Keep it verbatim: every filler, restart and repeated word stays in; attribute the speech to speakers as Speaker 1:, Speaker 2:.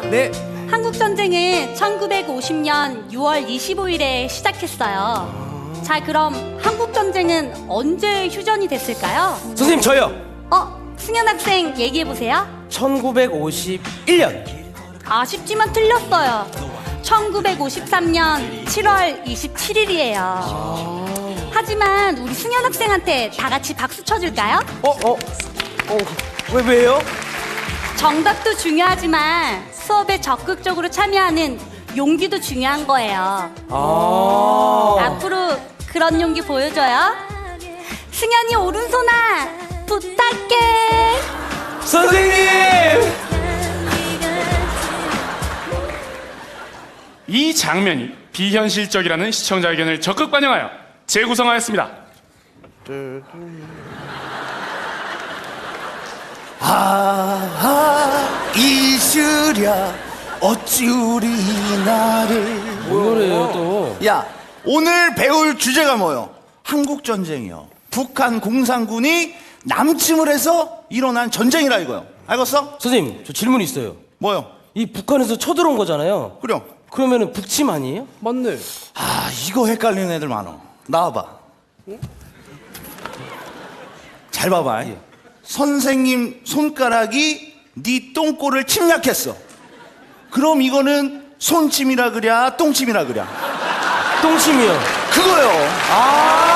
Speaker 1: 네.
Speaker 2: 한국전쟁은 천구백오십 년 유월 이십오일에 시작했어요. 자, 그럼 한국전쟁은 언제 휴전이 됐을까요?
Speaker 1: 선생님 저요.
Speaker 2: 어? 승현 학생 얘기해보세요.
Speaker 1: 천구백오십일 년.
Speaker 2: 아쉽지만 틀렸어요. 천구백오십삼 년 칠월 이십칠일이에요. 하지만 우리 승현 학생한테 다 같이 박수 쳐줄까요?
Speaker 1: 어? 어? 어? 왜 왜요?
Speaker 2: 정답도 중요하지만 수업에 적극적으로 참여하는 용기도 중요한 거예요.
Speaker 1: 아.
Speaker 2: 앞으로 그런 용기 보여줘요. 승현이 오른손아 부탁해.
Speaker 1: 선생님.
Speaker 3: 이 장면이 비현실적이라는 시청자 의견을 적극 반영하여 재구성하였습니다.
Speaker 4: 아하 이슬야 어찌 우리 나를.
Speaker 1: 뭔 노래예요 또?
Speaker 4: 야, 오늘 배울 주제가 뭐요? 한국전쟁이요. 북한 공산군이 남침을 해서 일어난 전쟁이라 이거요. 알겠어?
Speaker 1: 선생님 저 질문 있어요.
Speaker 4: 뭐요?
Speaker 1: 이 북한에서 쳐들어온 거잖아요.
Speaker 4: 그럼.
Speaker 1: 그러면은 북침 아니에요?
Speaker 5: 맞네.
Speaker 4: 아, 이거 헷갈리는 애들 많어. 나와봐. 잘 봐봐. 선생님 손가락이 네 똥꼬를 침략했어. 그럼 이거는 손침이라 그랴 똥침이라 그랴?
Speaker 1: 똥침이요.
Speaker 4: 그거요.
Speaker 1: 아.